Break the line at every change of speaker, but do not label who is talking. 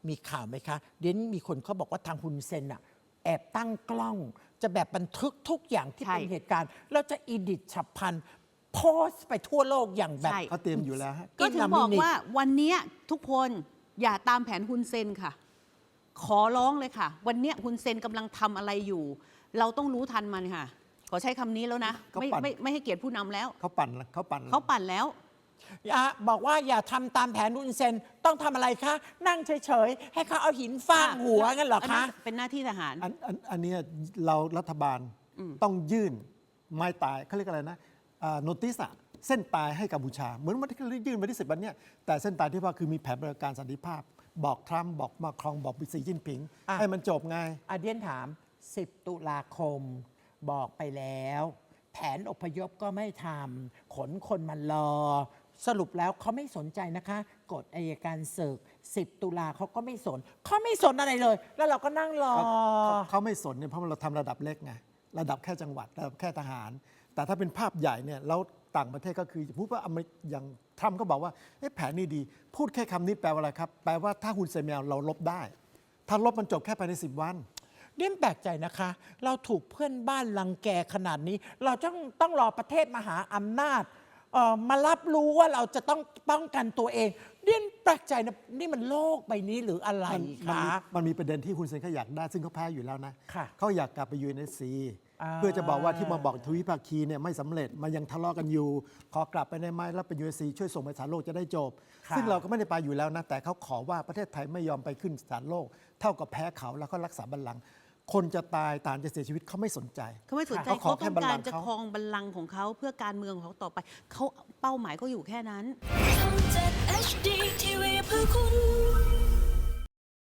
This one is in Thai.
มีข่าวไหมคะเดี๋ยวนี้มีคนเขาบอกว่าทางฮุนเซนอะแอบตั้งกล้องจะแบบบันทึกทุกอย่างที่เป็นเหตุการณ์แล้วจะอีดิทฉับพลันโพสต์ไปทั่วโลกอย่างแบบ
เขาเตรียมอยู่แล้วฮะก็ถึงบอกว่าวันนี้ทุกคนอย่าตามแผนฮุนเซนค่ะ ขอร้องเลยค่ะ วันนี้ฮุนเซนกำลังทำอะไรอยู่ เราต้องรู้ทันมันค่ะ ขอใช้คำนี้แล้วนะ ไม่ให้เกียรติผู้นำแล้ว
เขาปั่น
แล้ว
บอกว่าอย่าทำตามแผนฮุนเซนต้องทำอะไรคะนั่งเฉยๆให้เขาเอาหินฟาดหัวงั้นเหรอคะ
เป็นหน้าที่ทหาร
อันนี้เรารัฐบาลต้องยื่นไม้ตายเขาเรียกอะไรนะโนติสเส้นตายให้กัมพูชาเหมือนวันที่ยื่นวันที่10 วันเนี้ยแต่เส้นตายที่ว่าคือมีแผนปฏิบัติการสันติภาพบอกทรัมป์บอกมาครองบอกสีจิ้นผิงให้มันจบไง
เดียนถาม10 ตุลาคมบอกไปแล้วแผนอพยพก็ไม่ทำขนคนมารอสรุปแล้วเขาไม่สนใจนะคะกฎอัยการศึก10 ตุลาเขาก็ไม่สนอะไรเลยแล้วเราก็นั่งรอ
เขาไม่สนเนี่ยเพราะเราทำระดับเล็กไงระดับแค่จังหวัดระดับแค่ทหารแต่ถ้าเป็นภาพใหญ่เนี่ยแล้วต่างประเทศก็คือพูดว่าอย่างทรัมป์ก็บอกว่าแผนนี้ดีพูดแค่คำนี้แปลว่าอะไรครับแปลว่าถ้าฮุนเซนไม่เอาเราลบได้ถ้าลบมันจบแค่ภายใน10 วัน
เดี่ยแปลกใจนะคะเราถูกเพื่อนบ้านรังแกขนาดนี้เราต้องรอประเทศมหาอำนาจมารับรู้ว่าเราจะต้องป้องกันตัวเองเดี่ยแปลกใจนะนี่มันโลกใบนี้หรืออะไรคะ
มันมีประเด็นที่ฮุนเซนเขาอยากได้ซึ่งเขาแพ้อยู่แล้วนะเขาอยากกลับไปUNSCเพื่อจะบอกว่าที่มาบอกทวิภาคีเนี่ยไม่สำเร็จมันยังทะเลาะกันอยู่ขอกลับไปได้ไหมแล้วไปUNSCช่วยส่งไปศาลโลกจะได้จบซึ่งเราก็ไม่ได้ไปอยู่แล้วนะแต่เขาขอว่าประเทศไทยไม่ยอมไปขึ้นศาลโลกเท่ากับแพ้เขาแล้วก็รักษาบัลลังก์คนจะตายต่างจะเสียชีวิตเขาไม่สนใจ
เขาต้องการจะครองบัลลังก์ของเขาเพื่อการเมืองของเขาต่อไปเขาเป้าหมายก็อยู่แค่นั้นช่อง 7 HD TV เพื่อคุณ